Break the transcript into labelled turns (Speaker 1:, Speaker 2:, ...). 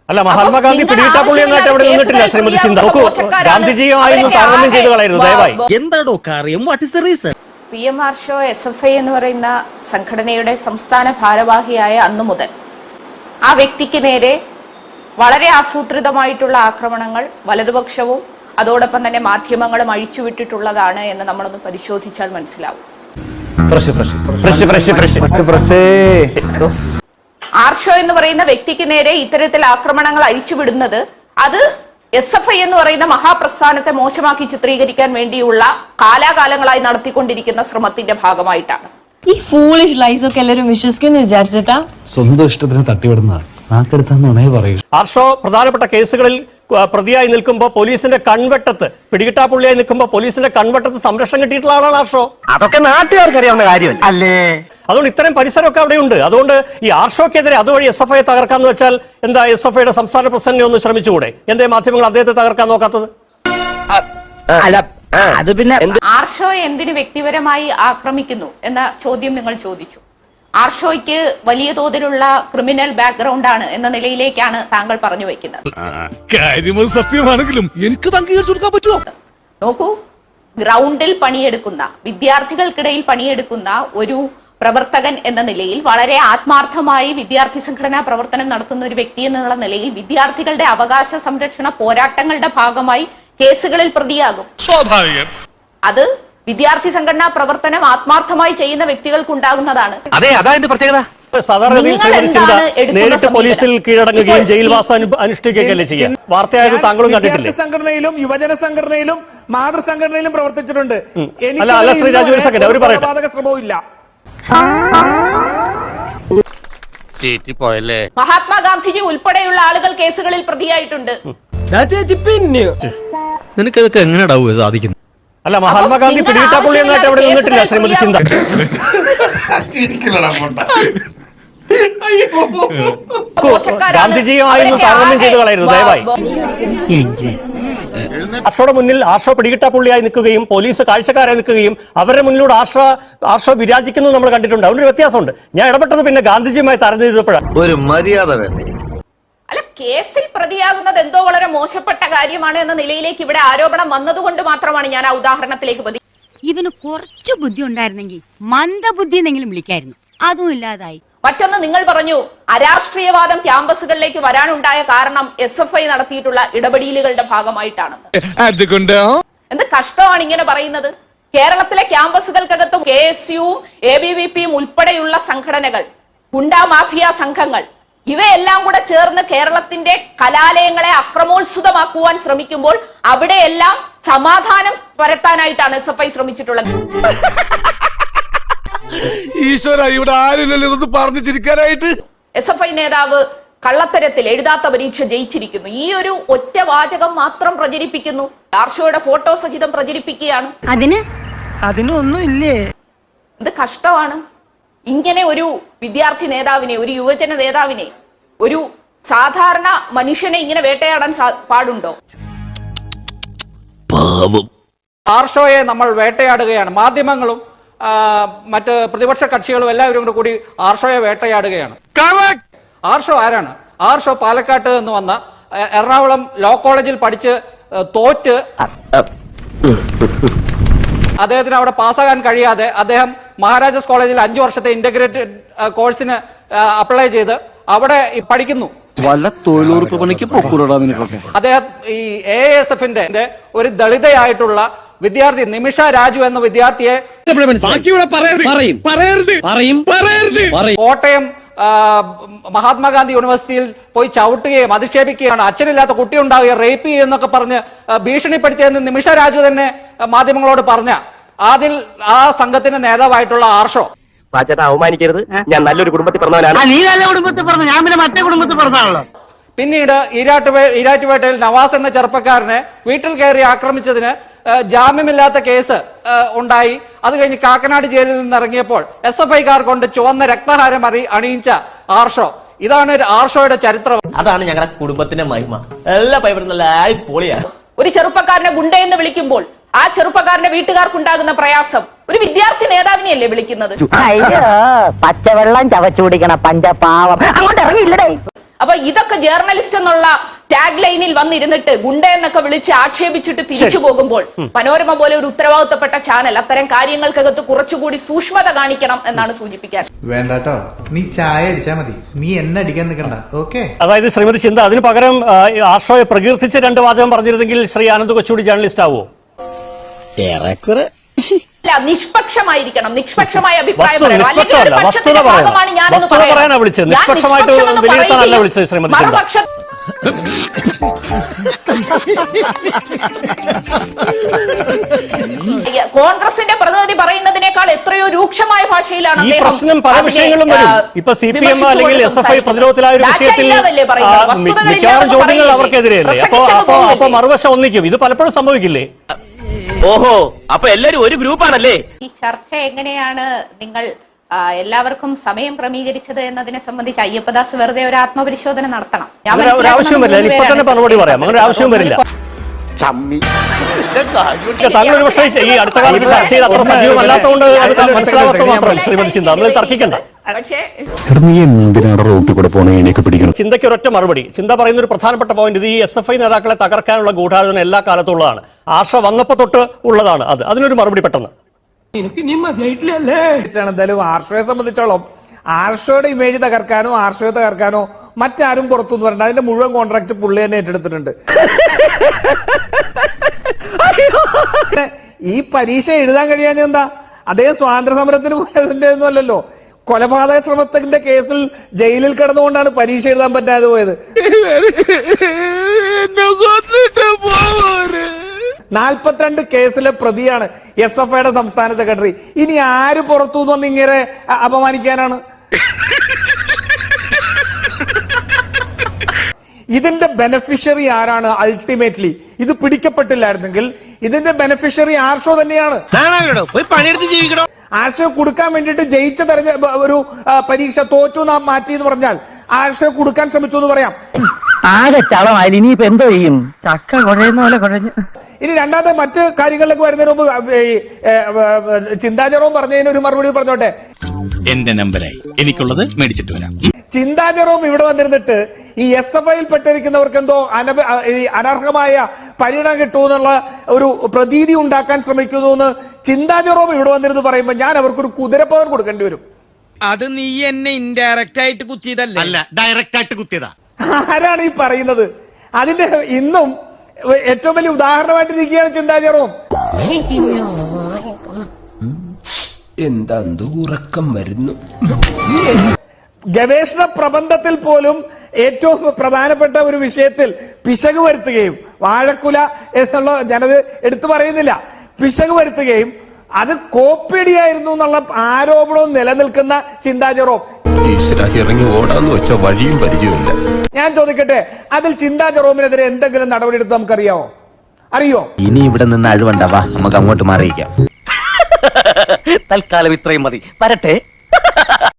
Speaker 1: അല്ല, മഹാത്മാഗാന്ധി പിടികിട്ടാപ്പുള്ളിയെന്നായിട്ട് അവിടെ നിന്നിട്ടില്ല ശ്രീമതി സിന്ധ. നോക്കൂ, ഗാന്ധിജിയുമായിരുന്നു താരതമ്യം ചെയ്ത് കളയരുത് ദയവായി.
Speaker 2: എന്താണോ കാര്യം? What is the reason?
Speaker 3: PM Arsho SFI എന്ന് പറയുന്ന സംഘടനയുടെ സംസ്ഥാന ഭാരവാഹിയായ അന്നു മുതൽ ആ വ്യക്തിക്ക് നേരെ വളരെ ആസൂത്രിതമായിട്ടുള്ള ആക്രമണങ്ങൾ വലതുപക്ഷവും അതോടൊപ്പം തന്നെ മാധ്യമങ്ങളും അഴിച്ചുവിട്ടിട്ടുള്ളതാണ് എന്ന് നമ്മളൊന്ന് പരിശോധിച്ചാൽ മനസ്സിലാവും. ആർഷോ എന്ന് പറയുന്ന വ്യക്തിക്ക് നേരെ ഇത്തരത്തിൽ ആക്രമണങ്ങൾ അഴിച്ചുവിടുന്നത് അത് SFI എന്ന് പറയുന്ന മഹാപ്രസ്ഥാനത്തെ മോശമാക്കി ചിത്രീകരിക്കാൻ വേണ്ടിയുള്ള കാലാകാലങ്ങളായി നടത്തിക്കൊണ്ടിരിക്കുന്ന ശ്രമത്തിന്റെ ഭാഗമായിട്ടാണ്.
Speaker 4: ഈ ഫൂളിഷ് ലൈസ് ഒക്കെ എല്ലാവരും വിശ്വസിക്കുന്നു വിചാരിച്ചിട്ടാ?
Speaker 5: സ്വന്തം ഇഷ്ടത്തിന് തട്ടിവിടുന്ന നാക്കെടുത്താന്നേ പറയൂ.
Speaker 1: ആർഷോ പ്രധാനപ്പെട്ട കേസുകളിൽ പ്രതിയായി നിൽക്കുമ്പോൾ പോലീസിന്റെ കൺവെട്ടത്ത്, പിടികിട്ടാപ്പുള്ളിയായി നിൽക്കുമ്പോൾ പോലീസിന്റെ കൺവെട്ടത്ത് സംരക്ഷണം കിട്ടിയിട്ടുള്ള ആളാണ് ആർഷോ.
Speaker 6: അതൊക്കെ നാട്ടുകാർക്ക് അറിയാവുന്ന കാര്യം അല്ലേ?
Speaker 1: അതുകൊണ്ട് ഇത്തരം പരിസരമൊക്കെ അവിടെയുണ്ട്. അതുകൊണ്ട് ഈ ആർഷോക്കെതിരെ അതുവഴി SFI തകർക്കാന്ന് വെച്ചാൽ എന്താ, SFIയുടെ സംസ്ഥാന പ്രസിഡന്റിനെ ഒന്ന് ശ്രമിച്ചുകൂടെ? എന്തേ മാധ്യമങ്ങൾ അദ്ദേഹത്തെ തകർക്കാൻ നോക്കാത്തത്?
Speaker 6: അത് പിന്നെ
Speaker 3: ആർഷോയെ എന്തിന് വ്യക്തിപരമായി ആക്രമിക്കുന്നു എന്ന ചോദ്യം നിങ്ങൾ ചോദിച്ചു. ആർഷോയ്ക്ക് വലിയ തോതിലുള്ള ക്രിമിനൽ ബാക്ക്ഗ്രൗണ്ട് ആണ് എന്ന നിലയിലേക്കാണ് താങ്കൾ പറഞ്ഞു വെക്കുന്നത്.
Speaker 2: സത്യമാണെങ്കിലും എനിക്ക് അംഗീകരിച്ചു കൊടുക്കാൻ പറ്റുമോ?
Speaker 3: നോക്കൂ, ഗ്രൗണ്ടിൽ പണിയെടുക്കുന്ന, വിദ്യാർത്ഥികൾക്കിടയിൽ പണിയെടുക്കുന്ന ഒരു പ്രവർത്തകൻ എന്ന നിലയിൽ, വളരെ ആത്മാർത്ഥമായി വിദ്യാർത്ഥി സംഘടനാ പ്രവർത്തനം നടത്തുന്ന ഒരു വ്യക്തി എന്നുള്ള നിലയിൽ വിദ്യാർത്ഥികളുടെ അവകാശ സംരക്ഷണ പോരാട്ടങ്ങളുടെ ഭാഗമായി കേസുകളിൽ പ്രതിയാകും. സ്വാഭാവികം. അത് വിദ്യാർത്ഥി സംഘടനാ പ്രവർത്തനം ആത്മാർത്ഥമായി ചെയ്യുന്ന വ്യക്തികൾക്ക് ഉണ്ടാകുന്നതാണ്.
Speaker 6: അതെ, അതായത് പ്രത്യേകത.
Speaker 1: സാധാരണഗതിയിൽ നേരിട്ട് പോലീസിൽ കീഴടങ്ങുകയും ജയിൽവാസം അനുഷ്ഠിക്കുകയല്ലേ ചെയ്യാൻ. വാർത്തയായത് താങ്കളും കണ്ടിട്ടില്ലേ?
Speaker 7: സംഘടനയിലും യുവജന സംഘടനയിലും മാതൃസംഘടനയിലും പ്രവർത്തിച്ചിട്ടുണ്ട്.
Speaker 1: അല്ല ശ്രീ രാജു, ഒരു സെക്കൻഡ്, അവർ പറയട്ടെ.
Speaker 7: ശ്രമവും ഇല്ല.
Speaker 3: മഹാത്മാഗാന്ധിജി ഉൾപ്പെടെയുള്ള ആളുകൾ കേസുകളിൽ പ്രതിയായിട്ടുണ്ട്.
Speaker 5: നിനക്കതൊക്കെ എങ്ങനെയാ സാധിക്കുന്നത്?
Speaker 1: അല്ല, മഹാത്മാഗാന്ധി പിടികിട്ടാപ്പുള്ളിയെന്നായിട്ട് അവിടെ നിന്നിട്ടില്ല ശ്രീമതി സിന്ധ. ഗാന്ധിജിയുമായിരുന്നു താരതമ്യം ചെയ്ത് കളയരുത് ദയവായി. ആർഷോയുടെ മുന്നിൽ ആർഷോ പിടികിട്ടാപ്പുള്ളിയായി നിൽക്കുകയും പോലീസ് കാഴ്ചക്കാരായി നിൽക്കുകയും അവരുടെ മുന്നിലൂടെ ആർഷോ വിരാജിക്കുന്നത് നമ്മൾ കണ്ടിട്ടുണ്ട്. അതുകൊണ്ട് വ്യത്യാസമുണ്ട്. ഞാൻ ഇടപെട്ടത് പിന്നെ ഗാന്ധിജിയുമായി താരതമ്യം ചെയ്തപ്പോഴാണ്.
Speaker 8: ഒരു മര്യാദ വേണ്ടേ?
Speaker 3: അല്ല, കേസിൽ പ്രതിയാകുന്നത് എന്തോ വളരെ മോശപ്പെട്ട കാര്യമാണ് എന്ന നിലയിലേക്ക് ഇവിടെ ആരോപണം വന്നതുകൊണ്ട് മാത്രമാണ് ഞാൻ ആ ഉദാഹരണത്തിലേക്ക്
Speaker 9: ഇവന് കുറച്ചു ബുദ്ധി ഉണ്ടായിരുന്നെങ്കിൽ മന്ദബുദ്ധി എന്നെങ്കിലും വിളിക്കായിരുന്നു. അതും ഇല്ലാതായി.
Speaker 3: മറ്റൊന്ന്, നിങ്ങൾ പറഞ്ഞു അരാഷ്ട്രീയവാദം ക്യാമ്പസുകളിലേക്ക് വരാനുണ്ടായ കാരണം SFI നടത്തിയിട്ടുള്ള ഇടപെടലുകളുടെ ഭാഗമായിട്ടാണെന്ന്. എന്ത് കഷ്ടമാണ് ഇങ്ങനെ പറയുന്നത്? കേരളത്തിലെ ക്യാമ്പസുകൾക്കകത്തും KSUവും ABVPയും ഉൾപ്പെടെയുള്ള സംഘടനകൾ, ഗുണ്ടാ മാഫിയ സംഘങ്ങൾ, ഇവയെല്ലാം കൂടെ ചേർന്ന് കേരളത്തിന്റെ കലാലയങ്ങളെ അക്രമോത്സുതമാക്കുവാൻ ശ്രമിക്കുമ്പോൾ അവിടെയെല്ലാം സമാധാനം പരത്താനായിട്ടാണ് SFI ശ്രമിച്ചിട്ടുള്ളത്.
Speaker 2: ഈശ്വര, ഇവിടെ ആരില്ലല്ലോ ഇതൊന്ന് പറഞ്ഞു ചിരിക്കാനായിട്ട്.
Speaker 3: SFI നേതാവ് കള്ളത്തരത്തിൽ എഴുതാത്ത പരീക്ഷ ജയിച്ചിരിക്കുന്നു. ഈ ഒരു ഒറ്റ വാചകം മാത്രം പ്രചരിപ്പിക്കുന്നു. ആർഷോയുടെ ഫോട്ടോ സഹിതം പ്രചരിപ്പിക്കുകയാണ്.
Speaker 9: അതിനൊന്നും ഇല്ലേ?
Speaker 3: ഇത് കഷ്ടമാണ്. ഇങ്ങനെ ഒരു വിദ്യാർത്ഥി നേതാവിനെ, ഒരു യുവജന നേതാവിനെ, ഒരു സാധാരണ മനുഷ്യനെ ഇങ്ങനെ വേട്ടയാടാൻ പാടുണ്ടോ?
Speaker 7: ആർഷോയെ നമ്മൾ വേട്ടയാടുകയാണ്. മാധ്യമങ്ങളും മറ്റ് പ്രതിപക്ഷ കക്ഷികളും എല്ലാവരും കൂടി ആർഷോയെ വേട്ടയാടുകയാണ്. ആർഷോ ആരാണ്? ആർഷോ പാലക്കാട്ട് നിന്ന് വന്ന, എറണാകുളം ലോ കോളേജിൽ പഠിച്ച് തോറ്റ് അദ്ദേഹത്തിന് അവിടെ പാസ്സാകാൻ കഴിയാതെ അദ്ദേഹം മഹാരാജാസ് കോളേജിൽ 5 വർഷത്തെ ഇന്റഗ്രേറ്റഡ് കോഴ്സിന് അപ്ലൈ ചെയ്ത് അവിടെ പഠിക്കുന്നു.
Speaker 5: വല്ല തൊഴിലുറപ്പ് പണിക്ക് പൊക്കൂടാ നിനക്കൊക്കെ.
Speaker 7: അദ്ദേഹം ഈ AASFന്റെ ഒരു ദളിതയായിട്ടുള്ള വിദ്യാർത്ഥി നിമിഷ രാജു എന്ന വിദ്യാർത്ഥിയെ കോട്ടയം മഹാത്മാഗാന്ധി യൂണിവേഴ്സിറ്റിയിൽ പോയി ചവിട്ടുകയും അധിക്ഷേപിക്കുകയാണ്, അച്ഛനില്ലാത്ത കുട്ടി ഉണ്ടാവുകയും റേപ്പ് ചെയ്യുന്നൊക്കെ പറഞ്ഞ് ഭീഷണിപ്പെടുത്തിയെന്ന് നിമിഷ രാജു തന്നെ മാധ്യമങ്ങളോട് പറഞ്ഞ അതിൽ ആ സംഘത്തിന്റെ നേതാവായിട്ടുള്ള ആർഷോ.
Speaker 6: അവമാനിക്കരുത്, ഞാൻ നല്ലൊരു കുടുംബത്തിൽ പറഞ്ഞവനാണ്. നീ നല്ല കുടുംബത്തിൽ പറഞ്ഞു, ഞാൻ പിന്നെ മറ്റേ കുടുംബത്തിൽ പറഞ്ഞാണല്ലോ.
Speaker 7: പിന്നീട് ഈരാറ്റുപേട്ടയിൽ നവാസ് എന്ന ചെറുപ്പക്കാരനെ വീട്ടിൽ കയറി ആക്രമിച്ചതിന് ജാമ്യമില്ലാത്ത കേസ് ഉണ്ടായി. അത് കഴിഞ്ഞ് കാക്കനാട് ജയിലിൽ നിന്ന് ഇറങ്ങിയപ്പോൾ SFIക്കാർ കൊണ്ട് ചുവന്ന രക്തഹാരം അണിയിച്ച ആർഷോ. ഇതാണ് ആർഷോയുടെ ചരിത്രം.
Speaker 6: അതാണ് ഞങ്ങളുടെ കുടുംബത്തിന്റെ മഹിമ. എല്ലാ പൈപ്പറും നല്ല പൊളിയാണ്.
Speaker 3: ഒരു ചെറുപ്പക്കാരനെ ഗുണ്ടയെന്ന് വിളിക്കുമ്പോൾ ആ ചെറുപ്പക്കാരന്റെ വീട്ടുകാർക്കുണ്ടാകുന്ന പ്രയാസം ഒരു വിദ്യാർത്ഥി നേതാവിനെയല്ലേ വിളിക്കുന്നത്?
Speaker 9: പച്ചവെള്ളം ചവച്ചു കുടിക്കണ പഞ്ചപാവം അങ്ങോട്ട് ഇറങ്ങിയില്ലടേ.
Speaker 3: അപ്പൊ ഇതൊക്കെ ജേർണലിസ്റ്റ് എന്നുള്ള ടാഗ് ലൈനിൽ വന്നിരുന്നിട്ട് ഗുണ്ട എന്നൊക്കെ വിളിച്ച് ആക്ഷേപിച്ചിട്ട് തിരിച്ചു പോകുമ്പോൾ മനോരമ പോലെ ഒരു ഉത്തരവാദിത്തപ്പെട്ട ചാനൽ അത്തരം കാര്യങ്ങൾക്കകത്ത് കുറച്ചുകൂടി സൂക്ഷ്മത കാണിക്കണം എന്നാണ് സൂചിപ്പിക്കാൻ.
Speaker 8: വേണ്ടാട്ടോ, നീ ചായ അടിച്ചാ മതി, നീ എന്നെ അടിക്കാൻ നിൽക്കണ്ട. ഓക്കെ.
Speaker 1: അതായത് ശ്രീമതി ചിന്ത അതിന് പകരം ആർഷോയെ പ്രകീർത്തിച്ച് 2 വാചകം പറഞ്ഞിരുന്നെങ്കിൽ ശ്രീ ആനന്ദ് കൊച്ചുകൂടി ജേർണലിസ്റ്റ് ആവുമോ?
Speaker 6: ഏറെക്കുറെ
Speaker 3: അല്ല, നിഷ്പക്ഷമായിരിക്കണം, നിഷ്പക്ഷമായ അഭിപ്രായം
Speaker 1: വസ്തുത
Speaker 3: പറയണം. അല്ലെങ്കിൽ ഒരു
Speaker 1: പറയാനാ
Speaker 3: പക്ഷത്തിന്റെ ഭാഗമാണ് ഞാനെന്ന്
Speaker 1: വസ്തുത
Speaker 3: പറയണം.
Speaker 1: പറയാനാ വിളിച്ചത്,
Speaker 3: ഞാൻ
Speaker 1: നിഷ്പക്ഷമായിട്ട്
Speaker 3: നിഷ്പക്ഷമെന്ന്
Speaker 1: വിലയിരുത്താനല്ല
Speaker 3: പറയുകയും
Speaker 1: വിളിച്ചത് ശ്രീമതി ചിന്ത.
Speaker 3: മറുപക്ഷ കോൺഗ്രസിന്റെ പ്രതിനിധി പറയുന്നതിനേക്കാൾ എത്രയോ രൂക്ഷമായ ഭാഷയിലാണ്
Speaker 1: ഈ
Speaker 3: അദ്ദേഹം
Speaker 1: പ്രശ്നം പല
Speaker 3: അതിനെ,
Speaker 1: വിഷയങ്ങളും വരും. ഇപ്പൊ CPM അല്ലെങ്കിൽ SFI പ്രതിരോധത്തിലായ ഒരു വിഷയത്തിൽ മിക്കവാറും ചോദ്യങ്ങൾ അവർക്കെതിരെയല്ലേ? അപ്പൊ മറുവശം ഒന്നിക്കും. ഇത് പലപ്പോഴും സംഭവിക്കില്ലേ?
Speaker 6: ഓഹോ, അപ്പൊ എല്ലാരും ഒരു ഗ്രൂപ്പാണല്ലേ?
Speaker 3: ഈ ചർച്ച എങ്ങനെയാണ് നിങ്ങൾ എല്ലാവർക്കും സമയം ക്രമീകരിച്ചത് എന്നതിനെ സംബന്ധിച്ച് അയ്യപ്പദാസ് വെറുതെ ഒരു ആത്മപരിശോധന നടത്തണം. ഞാൻ
Speaker 1: അങ്ങനെ ഒരു ആവശ്യം വരില്ല. ഇപ്പൊ തന്നെ മറുപടി പറയാം. അങ്ങനെ ഒരു ആവശ്യം വരില്ല. താങ്കൾ ഒരു പക്ഷേ ഈ അടുത്ത കാലത്ത് ചർച്ചയിൽ അത്ര സജീവമല്ലാത്തതുകൊണ്ട് അത് മനസ്സിലാവാത്ത മാത്രം ശ്രീമതി ചിന്ത. നമ്മൾ തർക്കിക്കണ്ട.
Speaker 3: പക്ഷേ
Speaker 5: നീ എന്തിനാണ് റോട്ടിൽ കൂടെ പോണേ എനിക്ക് പിടിക്കണം?
Speaker 1: ചിന്തയ്ക്ക് ഒരൊറ്റ മറുപടി. ചിന്ത പറയുന്ന ഒരു പ്രധാനപ്പെട്ട പോയിന്റ്, ഇത് ഈ SFI നേതാക്കളെ തകർക്കാനുള്ള ഗൂഢാലോചന എല്ലാ കാലത്തും ഉള്ളതാണ്. ആർഷ വന്നപ്പോ തൊട്ട് ഉള്ളതാണ്. അതിനൊരു മറുപടി പെട്ടെന്ന്.
Speaker 7: എന്തായാലും ആർഷയെ സംബന്ധിച്ചോളം ആർഷയുടെ ഇമേജ് തകർക്കാനോ ആർഷയെ തകർക്കാനോ മറ്റാരും പുറത്തുനിന്ന് പറഞ്ഞിട്ട് അതിന്റെ മുഴുവൻ കോൺട്രാക്ട് പുള്ളി തന്നെ ഏറ്റെടുത്തിട്ടുണ്ട്. ഈ പരീക്ഷ എഴുതാൻ കഴിയാൻ എന്താ? അദ്ദേഹം സ്വാതന്ത്ര്യ സമരത്തിന് പോയതിന്റെ ഒന്നും അല്ലല്ലോ. കൊലപാതക ശ്രമത്തിന്റെ കേസിൽ ജയിലിൽ കിടന്നുകൊണ്ടാണ് പരീക്ഷ എഴുതാൻ പറ്റാതെ പോയത്. 42 കേസിലെ പ്രതിയാണ് SFIയുടെ സംസ്ഥാന സെക്രട്ടറി. ഇനി ആര് പുറത്തുനിന്ന് വന്ന് ഇങ്ങനെ അപമാനിക്കാനാണ്? ഇതിന്റെ ബെനഫിഷ്യറി ആരാണ്? അൾട്ടിമേറ്റ്ലി ഇത് പിടിക്കപ്പെട്ടില്ലായിരുന്നെങ്കിൽ ഇതിന്റെ ബെനഫിഷ്യറി ആർഷോ തന്നെയാണ്. ആർഷോ കൊടുക്കാൻ വേണ്ടിയിട്ട് ജയിച്ച ഒരു പരീക്ഷ തോറ്റു നാം മാറ്റി എന്ന് പറഞ്ഞാൽ ആർഷോ കൊടുക്കാൻ ശ്രമിച്ചു എന്ന് പറയാം.
Speaker 6: ആകെ ചളമായി. ഇനിയിപ്പോ എന്തോ ചെയ്യും? ചക്ക കുഴയുന്ന പോലെ കുഴഞ്ഞു.
Speaker 7: ഇനി രണ്ടാമത്തെ മറ്റ് കാര്യങ്ങളിലേക്ക് വരുന്നതിന് മുമ്പ് ചിന്താചരവും പറഞ്ഞതിന് ഒരു മറുപടി പറഞ്ഞോട്ടെ.
Speaker 2: എന്റെ നമ്പരായി എനിക്കുള്ളത് മേടിച്ചിട്ട് വരാം.
Speaker 7: ചിന്താചരവും ഇവിടെ വന്നിരുന്നിട്ട് ഈ SFIയിൽ പെട്ടിരിക്കുന്നവർക്ക് എന്തോ അനർഹമായ പരിഗണന കിട്ടുമെന്നുള്ള ഒരു പ്രതീതി ഉണ്ടാക്കാൻ ശ്രമിക്കുന്നു എന്ന് ചിന്താചരവും ഇവിടെ വന്നിരുന്ന് പറയുമ്പോൾ ഞാൻ അവർക്കൊരു കുതിരപ്പവർ കൊടുക്കേണ്ടി വരും.
Speaker 10: അത് നീ എന്നെ ഇൻഡയറക്റ്റ് ആയിട്ട് കുത്തിയതല്ല,
Speaker 2: ഡയറക്റ്റ് ആയിട്ട് കുത്തിയതാ.
Speaker 7: ആരാണ് ഈ പറയുന്നത്? അതിന്റെ ഇന്നും ഏറ്റവും വലിയ ഉദാഹരണമായിട്ട് ഇരിക്കുകയാണ് ചിന്താചരവും.
Speaker 10: എന്താ ഉറക്കം വരുന്നു?
Speaker 7: ഗവേഷണ പ്രബന്ധത്തിൽ പോലും ഏറ്റവും പ്രധാനപ്പെട്ട ഒരു വിഷയത്തിൽ പിശക് വരുത്തുകയും, വാഴക്കുല എന്നുള്ള ഞാനത് എടുത്തു പറയുന്നില്ല, പിശക് വരുത്തുകയും അത് കോപ്പിയടിയായിരുന്നു എന്നുള്ള ആരോപണവും നിലനിൽക്കുന്ന ചിന്താചരവും
Speaker 10: ഇറങ്ങി ഓടാന്ന് വെച്ച വഴിയും പരിചയമില്ല.
Speaker 7: ഞാൻ ചോദിക്കട്ടെ, അതിൽ ചിന്താചരവുമിനെതിരെ എന്തെങ്കിലും നടപടി എടുത്ത് നമുക്കറിയാമോ? അറിയോ?
Speaker 6: ഇനി ഇവിടെ നിന്ന് അഴിവണ്ടാവാ, നമുക്ക് അങ്ങോട്ട് മാറിയിക്കാം. തൽക്കാലം ഇത്രയും മതി. വരട്ടെ.